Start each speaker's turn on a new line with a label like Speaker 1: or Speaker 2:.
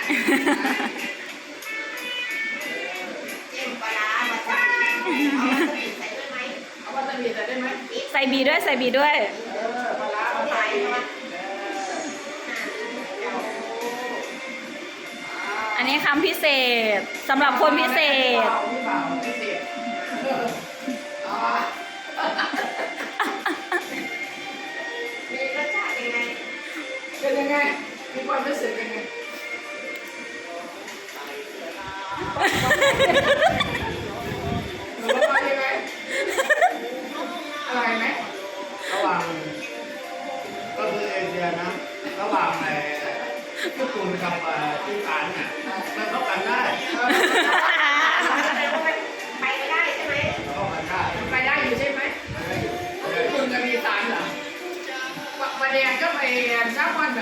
Speaker 1: เอ็มปลาร้าวาซาบิเอาวาซาบิใส่ด้วยไหมเอาวาซาบิใส่ได้ไหม
Speaker 2: ใส่บีด้วยใส่บีด้วย
Speaker 1: ปลาร้าใส่ไหม
Speaker 2: อันนี้คำพิเศษสำหรับคนพิเศษ
Speaker 1: มีรสชาติยังไง
Speaker 3: เป็นยังไงมีความรู้สึกยังไงหนูว่ายังไงอร่อยไหม
Speaker 4: ระหว่างก็คือเอเชียนะระหว่างญี่ปุ่นกับอีสานเนี่ยมันเข้ากันได้
Speaker 1: ไปก็ได้ใช่ไหม
Speaker 4: เข้ากันได้
Speaker 3: ไปได้อยู่ใช่ไหมคุณจะมีสารเหรอมาแดงก็ไปซักวัน